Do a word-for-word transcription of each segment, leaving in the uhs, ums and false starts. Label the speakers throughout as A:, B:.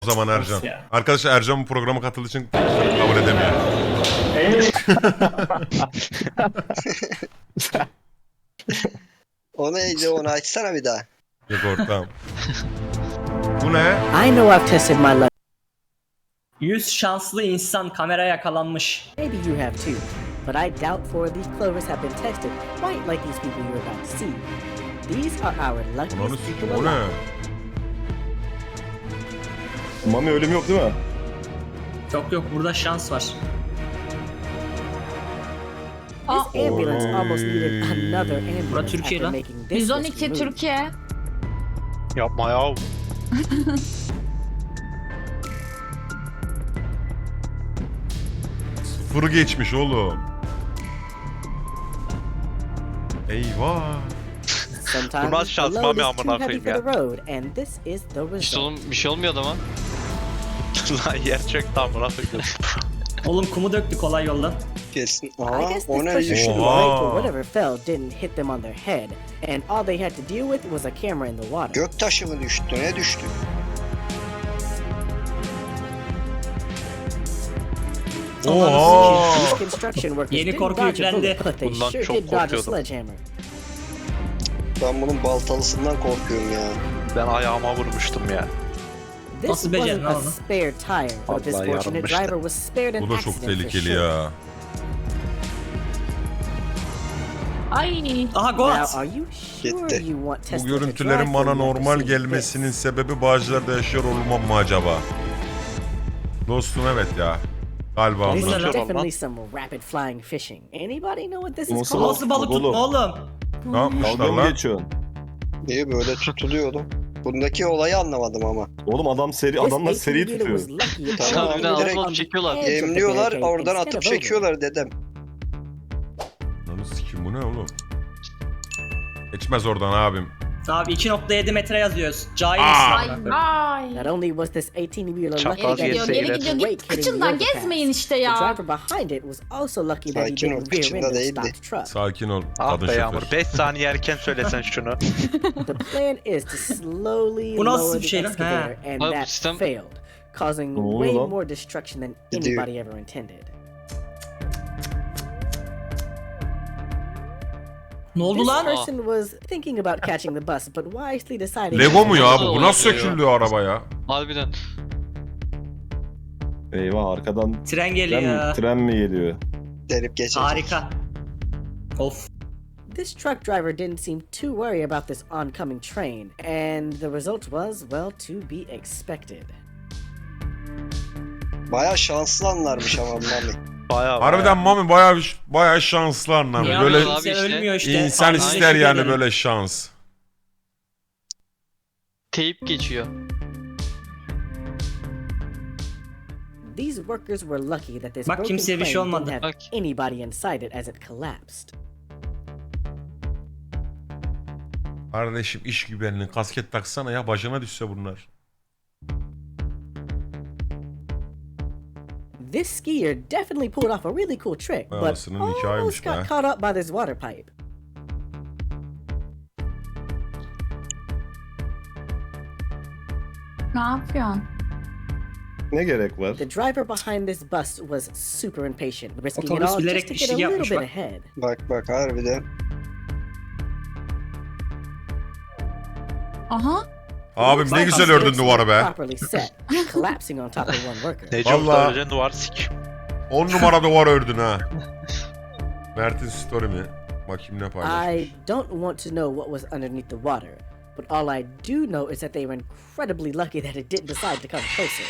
A: O zaman Ercan.
B: Nasıl ya?
A: Arkadaşlar Ercan bu programa katıldığı için kabul edemiyor.
C: O neydi, onu açsana bir daha.
A: Yok ortam. Bu ne?
D: I know I've tested my luck.
B: yüz şanslı insan kamera yakalanmış.
D: Maybe you have too. But I doubt four of these clovers have been tested quite like these people you're about to see. These are our
A: Ananı
D: luckiest
A: sikim
D: people
A: o ne?
D: alive.
E: Mami ölüm yok değil mi?
B: Yok yok, burada şans var.
D: This ambulance almost needed another ambulance
B: Bura Türkiye
D: after
B: lan.
D: making this
F: yüz on
D: risky
F: iki
D: move.
F: Türkiye.
G: Yapma ya.
A: Sıfırı geçmiş oğlum. Eyvah.
D: Sometimes
G: Bu nasıl şans
D: the load
G: Mami
D: is
G: amına
D: too heavy
G: koyayım
D: for
G: ya.
D: the road, and this is the
H: İşte
D: result.
H: oğlum bir şey olmuyor adama.
G: Lan yer çöktü amına koyayım.
B: Oğlum kumu döktü kolay yoldan.
C: Kesin.
D: I
C: Aha,
D: guess
C: o
D: this
C: ne
D: pressure
C: düştü?
D: shooting
A: Oha.
D: plate or whatever fell didn't hit them on their head, and all they had to deal with was a camera in the water.
C: Göktaşı mı düştü? Ne düştü?
A: Oha.
D: These construction workers
B: Yeni
D: didn't
B: korku
D: dodge a
B: yüklendi.
D: bullet, but they
G: Bundan
D: sure
G: çok
D: did dodge a
G: korkuyordum.
D: sledgehammer.
C: Ben bunun baltalısından korkuyorum ya.
G: Ben ayağıma vurmuştum ya.
D: This
B: Nasıl becerdin
D: wasn't a
B: lan onu?
D: spare tire, but this
G: Vallahi
D: fortunate
G: yarılmıştı.
D: driver was spared an
A: Bu da çok
D: accident for
A: tehlikeli
D: sure.
A: ya.
F: Ay.
B: Aha
D: Now,
B: Goat.
D: are you sure
C: Gitti.
D: you want
A: Bu
D: Tesla to
A: görüntülerin
D: drive
A: bana
D: for you
A: normal
D: after seeing
A: gelmesinin
D: this?
A: sebebi Bağcılar'da yaşıyor olmam mı acaba? Dostum evet ya. Galiba
D: This
B: Bu ne
D: is
B: lan?
D: definitely some rapid flying fishing. Anybody know what this is
E: Nasıl
D: called?
B: Nasıl balık tutma oğlum?
A: ne yapmışlar
E: Dalga mı
A: lan?
E: geçiyorsun?
C: İyi böyle tutuluyordu. Bundaki olayı anlamadım ama.
E: Oğlum adam seri,
D: This
E: adamlar seri
D: eighteen wheeler
E: tutuyor.
D: was lucky it
C: Tamam,
D: landed
C: bir de
D: on
C: alıp
D: the
H: alıp çekiyorlar.
D: edge of the
C: Yemliyorlar,
D: barricade
C: oradan
D: instead
C: atıp
D: of over.
C: çekiyorlar dedem.
A: Lan sikim bu ne oğlum? Geçmez oradan abim.
B: Abi iki nokta yedi metre yazıyoruz. Cahil
A: Aa.
F: Ay
B: misin?
F: ay.
D: Not only was this eighteen wheeler lucky
G: Çapraz
F: Geri
D: that
F: gidiyor,
D: it
G: yetse
F: geri
D: made
F: gidiyor.
D: a
F: Git
D: break hitting the
F: kıçından
D: overpass,
F: gezmeyin işte
D: the
F: ya.
D: driver behind it was also lucky that he
C: Sakin ol,
D: didn't rear
C: kıçında
D: end and
C: değildi.
D: stop the truck.
A: Sakin ol
G: Ah
A: kadın
G: be Yağmur.
A: şoför.
G: beş saniye erken söylesen şunu.
D: The plan is to slowly
B: Bu nasıl
D: lower
B: bir
D: the
B: şey lan?
D: excavator,
B: Ha.
D: and
H: Abi bu
D: that
H: sistem-
D: failed, causing
E: Ne oluyor
D: way
E: lan?
D: more destruction than
C: Gidiyor.
D: anybody ever intended.
B: Ne oldu
D: This
B: lan?
D: person was thinking about catching the bus, but wisely decided.
A: Lego mu ya bu? Bu
H: Nasıl
A: nasıl
H: oluyor?
A: sökülüyor araba ya?
H: Harbiden.
E: Eyvah arkadan
B: Tren
E: tren,
B: geliyor.
E: tren mi geliyor?
C: Delip geçecek.
B: Harika. Of.
D: This truck driver didn't seem too worried about this oncoming train, and the result was, well, to be expected.
C: Baya şanslı anlarmış ama Mami.
G: Bayağı
A: Harbiden Mami bayağı bayağı şanslı anlam.
B: Ya
A: Böyle
H: abi
B: kimse
H: işte.
B: ölmüyor işte.
A: insan
B: Aynı
A: ister
B: şekilde
A: yani
B: derim.
A: böyle şans.
H: Teyip geçiyor.
D: These workers were lucky that this
B: Bak,
D: broken
B: kimseye bir
D: plane
B: şey
D: didn't
B: olmadı.
D: have
H: Bak.
D: anybody inside it as it collapsed.
A: Kardeşim iş güvenliği kasket taksana ya başına düşse bunlar.
D: This skier definitely pulled off a really cool trick, but
A: Anasının hikayeymiş
D: almost got
A: be.
D: caught up by this water pipe.
F: Ne yapıyorsun?
E: Ne gerek var?
D: The driver behind this bus was super impatient, risking it
B: Otobüs
D: all
B: bilerek
D: just to get a
B: işi
D: little
B: yapmış
D: bit
B: bak.
D: ahead.
C: Bak bak harbiden.
F: Aha.
A: Abim ne
B: Bak,
A: güzel
B: aslında
A: ördün duvarı be.
D: Properly set, collapsing on top of one worker.
G: Nece
A: Vallahi-
G: öleceksin duvar sik.
A: On numara duvar ördün ha. Mert'in story mi? Bakayım ne paylaşmış.
D: I don't want to know what was underneath the water, but all I do know is that they were incredibly lucky that it didn't decide to come closer.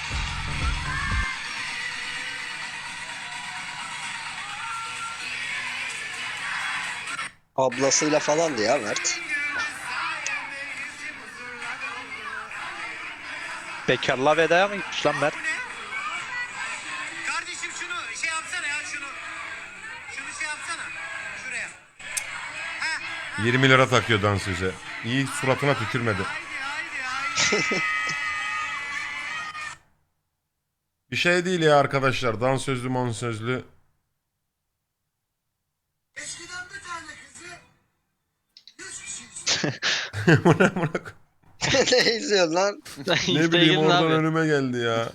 C: Ablasıyla falandı ya Mert.
G: Bekarlığa vedaya mı gitmiş lan Mert?
I: Kardeşim şunu şey yapsana ya şunu. Şunu şey yapsana. Şuraya.
A: yirmi lira takıyor dansöze. İyi suratına tükürmedi.
I: Haydi haydi haydi.
A: Bir şey değil ya arkadaşlar. Dansözlü mansözlü.
I: Eskiden bir tane kızı yüz kişi
A: Bu ne amına koyayım?
C: Ne izliyorsun lan?
A: Ne bileyim oradan önüme geldi ya.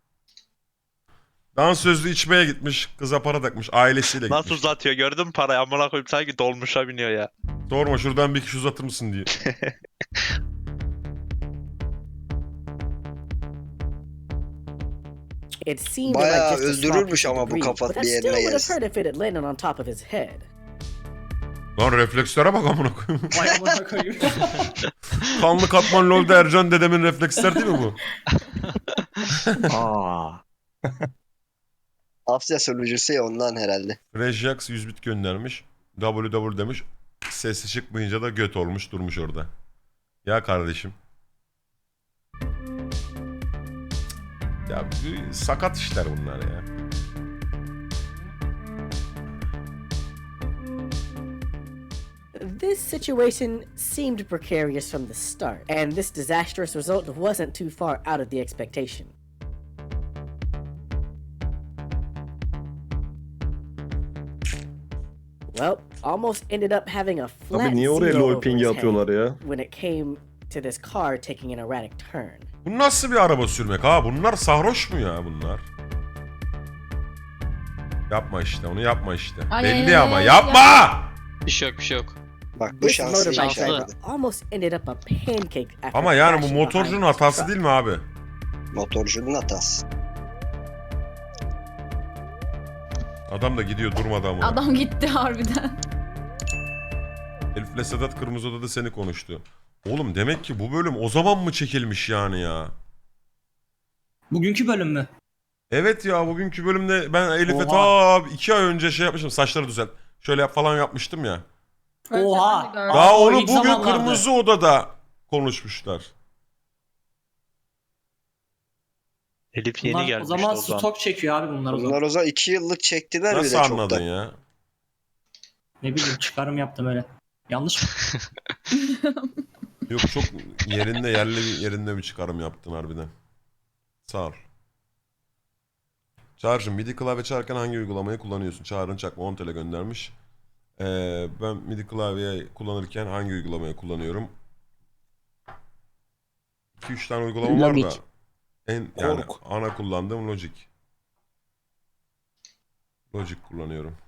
A: Dansözlü içmeye gitmiş. Kıza para takmış. Ailesiyle
G: Nasıl
A: gitmiş.
G: uzatıyor gördün mü parayı? Amına koyayım sanki dolmuşa biniyor ya.
A: Sorma şuradan bir kişi uzatır mısın diye.
D: It seemed
C: Bayağı
D: like just a small
C: öldürürmüş
D: piece of
C: ama bu
D: debris,
C: kafa
D: but I
C: bir
D: still
C: yerine
D: would have
C: gelsin.
D: hurt if it had landed on top of his head.
A: Lan reflekslere bak amına koyayım.
B: Vay amına koyayım.
A: Kanlı katman lolda Ercan dedemin refleksler değil mi bu?
E: Aa.
C: Asya sunucusu ya ondan herhalde.
A: Rejax yüz bit göndermiş. W W demiş. Sesi çıkmayınca da göt olmuş durmuş orada. Ya kardeşim. Ya bu sakat işler bunlar ya.
D: This situation seemed precarious from the start, and this disastrous result wasn't too far out of the expectation. Well, almost ended up having a flat
E: Abi niye oraya
D: zero
E: lol
D: over
E: pingi
D: his head
E: atıyorlar ya?
D: when it came to this car taking an erratic turn.
A: Bu nasıl bir araba sürmek ha? Bunlar sarhoş mu ya bunlar? Yapma işte onu yapma işte.
F: Ay,
A: Belli
F: ay,
A: ama
F: ay,
A: yapma!
H: Bir şey yok bir şey yok.
C: Bak bu
D: This
C: şanslı
D: motorbike
H: şanslı.
D: driver almost ended up a pancake after
A: Ama yani bu
D: crashing
A: motorcunun
D: behind his
A: hatası
D: truck.
A: değil mi abi?
C: Motorcunun hatası.
A: Adam da gidiyor durmadan ama.
F: Adam gitti harbiden.
A: Elif'le Sedat Kırmızı Oda'da seni konuştu. Oğlum demek ki bu bölüm o zaman mı çekilmiş yani ya?
B: Bugünkü bölüm mü?
A: Evet ya bugünkü bölümde ben Elif'e
B: Oha.
A: ta iki ay önce şey yapmıştım, saçları düzelt. Şöyle yap falan yapmıştım ya.
B: Oha.
A: Daha
B: Aa, o
A: onu
B: ilk
A: bugün
B: zamanlarda.
A: Kırmızı Oda'da konuşmuşlar.
G: Elif yeni
B: Bunlar
G: gelmiş
B: o zaman
G: o zaman.
B: stok çekiyor abi bunlar o zaman.
C: Bunlar o zaman iki yıllık çektiler bir
A: Nasıl
C: de
A: anladın
C: çoktan.
A: ya?
B: Ne bileyim çıkarım yaptım öyle. Yanlış mı?
A: Yok çok yerinde yerli bir yerinde bir çıkarım yaptın harbiden. Sağ ol. Çağrı'cığım MIDI klavye çalarken hangi uygulamayı kullanıyorsun? Çağrı'nın çakma on TL göndermiş. Ee, ben MIDI klavye kullanırken hangi uygulamayı kullanıyorum? iki üç tane uygulama var da
D: Logic.
A: en yani
E: Kork.
A: ana kullandığım Logic. Logic kullanıyorum.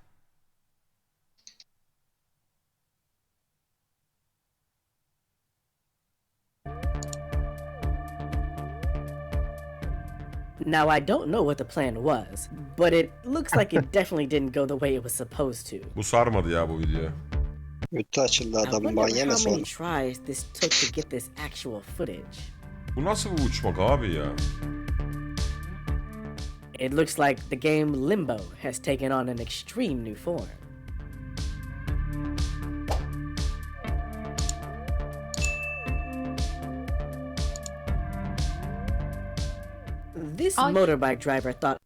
D: Now, I don't know what the plan was, but it looks like it definitely didn't go the way it was supposed to.
A: Bu sarmadı ya bu video.
C: Kötü açıldı
D: I
C: adamın
D: wonder
C: manyeme
D: how many
C: sonra.
D: tries this took to get this actual footage.
A: Bu nasıl bir uçmak abi ya?
D: It looks like the game Limbo has taken on an extreme new form. This
F: Ay.
D: motorbike driver thought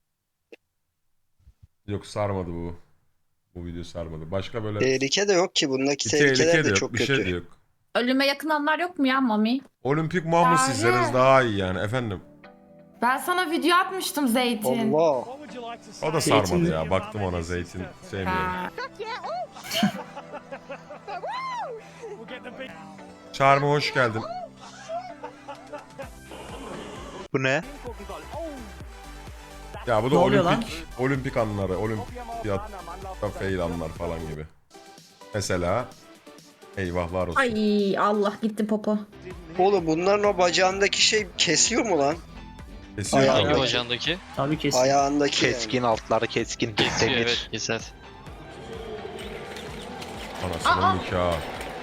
A: Yok sarmadı bu. Bu video sarmadı. Başka böyle
C: Tehlike de yok ki bundaki
A: bir
C: tehlikeler
A: tehlike de
C: de
A: yok,
C: çok
A: bir
C: kötü.
A: şey de yok.
F: Ölüme yakın anlar yok mu ya Mami?
A: Olimpik Mahmut
F: Çağrı.
A: sizleriz daha iyi yani efendim.
F: Ben sana video atmıştım Zeytin.
C: Allah.
A: O da
B: Zeytin
A: sarmadı
B: mi?
A: ya. Baktım ona zeytin sevmiyorum.
F: Ha.
A: Çağrı'ma hoş geldin.
G: Bu ne?
A: Ya bu da
B: Ne oluyor
A: olimpik olimpik anları, olimpiyatta fail anlar falan gibi. Mesela eyvahlar olsun.
F: Ay Allah gitti popo.
C: Oğlum bunların o bacağındaki şey kesiyor mu lan?
A: Kesiyor
C: Ayağı-
A: tabii.
H: Hangi bacağındaki?
B: Tabii kesin.
C: Ayağındaki yani.
G: Keskin altları keskin.
H: Kesiyor
G: Demir.
H: evet keser.
A: Anasının nikahı.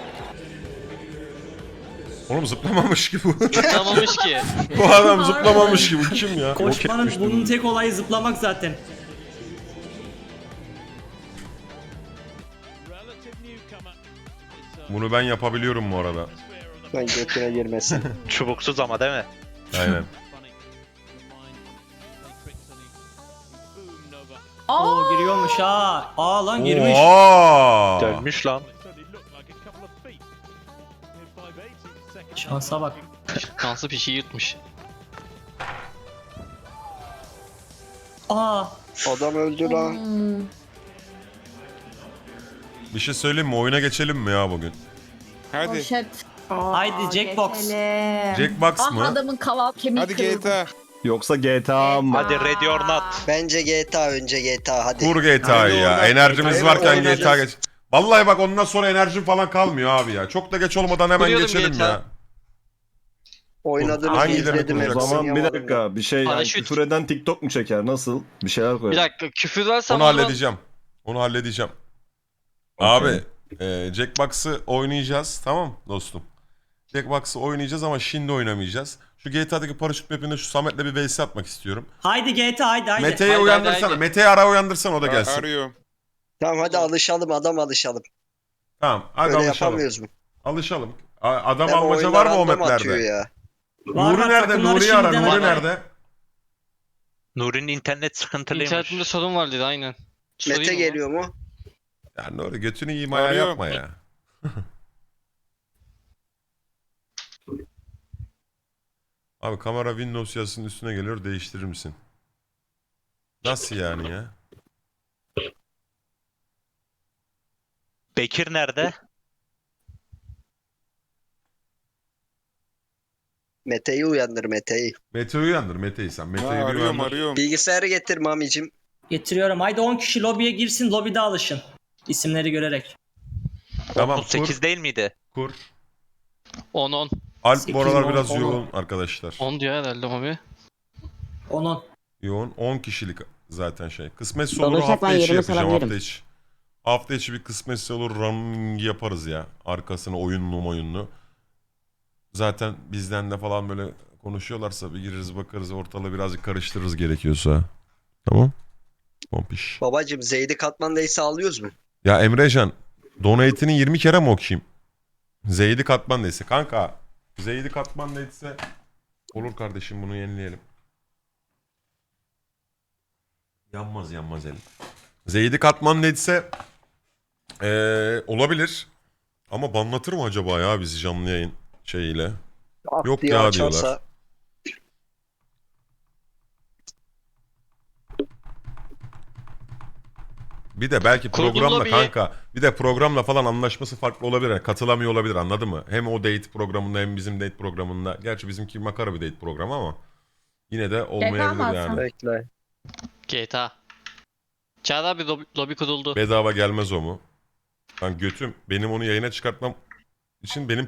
A: Oğlum zıplamamış ki bu.
H: Zıplamamış ki.
A: Bu adam zıplamamış ki bu kim ya?
B: Koşmanın bunun tek olayı zıplamak zaten.
A: Bunu ben yapabiliyorum bu arada.
C: Ben götüne girmesin.
G: Çubuksuz ama değil mi?
A: Aynen.
B: Oo giriyormuş ha. Aa lan girmiş.
A: Oha!
G: Dönmüş lan.
B: Şansa bak.
H: Kansı pişi yutmuş.
B: Aa
C: Adam öldü lan.
F: Hmm.
A: Bir şey söyleyeyim mi? Oyuna geçelim mi ya bugün?
F: Poşet.
B: Haydi Jackbox.
F: geçelim.
A: Jackbox
F: Ah
A: mı?
F: adamın kaval kemiği
J: Hadi
F: kırıldı.
J: G T A.
E: Yoksa G T A mı?
G: Hadi ready or not.
C: Bence G T A önce G T A hadi.
A: Kur G T A'yı ya.
B: Haydi
A: Enerjimiz
C: oradan.
A: varken
C: Evet,
A: G T A geç. Vallahi bak ondan sonra enerjim falan kalmıyor abi ya. Çok da geç olmadan hemen
H: Kuruyordum
A: geçelim
H: G T A.
A: ya.
C: Oynadığınızı
A: Hangilerini
C: izledim.
E: O
A: kuracak?
C: hepsini
E: zaman bir
C: yapamadım.
E: dakika bir şey yani
H: Paraşüt.
E: küfür eden TikTok mu çeker nasıl? Bir şeyler koy.
H: Bir dakika küfür versem
A: Onu
H: o zaman-
A: halledeceğim. Onu halledeceğim.
E: Okey.
A: Abi e, Jackbox'ı oynayacağız tamam dostum. Jackbox'ı oynayacağız ama şimdi oynamayacağız. Şu G T A'daki paraşüt mapinde şu Samet'le bir V S atmak istiyorum.
B: Haydi G T A haydi haydi.
A: Mete'yi
H: Haydi,
A: uyandırsana.
H: haydi, haydi.
A: Mete'yi ara uyandırsana o da gelsin.
J: Arıyorum.
C: Tamam hadi alışalım adam alışalım.
A: Tamam hadi
C: Öyle
A: alışalım.
C: yapamıyoruz mu?
A: Alışalım. A- Adam
C: Hem
A: almaca
C: oyunlar
A: var mı o
C: random atıyor
A: maplerde?
C: ya.
B: Var,
A: Nuri
B: var,
A: nerede?
B: takımları
A: Nuri'yi ara.
B: şimdiden
A: Nuri
B: ara.
A: nerede?
G: Nuri'nin internet sıkıntılıymış.
H: İnternetimde sorun var dedi aynen. Sorayım
C: Mete
H: mı?
C: geliyor mu?
A: Ya Nuri götünü yiyeyim ayağı
J: Arıyorum.
A: yapma ya. Abi kamera Windows yazısının üstüne geliyor değiştirir misin? Nasıl yani ya?
G: Bekir nerede?
C: Mete'yi uyandır Mete'yi.
A: Mete'yi uyandır Mete'yi sen.
J: Ha,
A: Mete'yi bir
J: arıyorum
A: uyandır.
J: arıyorum.
C: Bilgisayarı getir mamicim.
B: Getiriyorum. Haydi on kişi lobiye girsin. Lobide alışın. İsimleri görerek.
A: Tamam
G: otuz sekiz
A: kur.
G: değil miydi?
A: Kur.
H: on on.
A: Alp
B: Sekiz,
A: bu aralar
B: on,
A: biraz
B: on.
A: yoğun arkadaşlar.
H: on diyor herhalde abi.
B: on on.
A: Yoğun on kişilik zaten şey. Kısmetse olur
D: Olursak
A: hafta
D: ben
A: içi
D: yerimi
A: yapacağım hafta
D: salabilirim.
A: içi. Hafta içi bir kısmetse olur running yaparız ya. Arkasına oyunlu oyunlu. Zaten bizden de falan böyle konuşuyorlarsa bir gireriz bakarız ortalığı birazcık karıştırırız gerekiyorsa. Tamam. Pompiş.
C: Babacım Zeydi Katman'daysa alıyoruz mu?
A: Ya Emrecan donate'ini yirmi kere mi okuyayım? Zeydi Katman neyse. Kanka Zeydi Katman neyse olur kardeşim bunu yenileyelim. Yanmaz yanmaz elim. Zeydi Katman neyse ee, olabilir. Ama banlatır mı acaba ya bizi canlı yayın şeyiyle?
C: Ah
A: Yok
C: diye
A: ya
C: açarsa-
A: diyorlar. Bir de belki
H: Kurdum
A: programla
H: lobiyi.
A: kanka bir de programla falan anlaşması farklı olabilir. Yani katılamıyor olabilir anladın mı? Hem o date programında hem bizim date programında. Gerçi bizimki makara bir date programı ama yine de olmayabilir
F: alsam.
A: yani.
C: Bekle.
H: G T A. Çağrı abi lobi, lobi kuruldu.
A: Bedava gelmez o mu? Ben götüm benim onu yayına çıkartmam için benim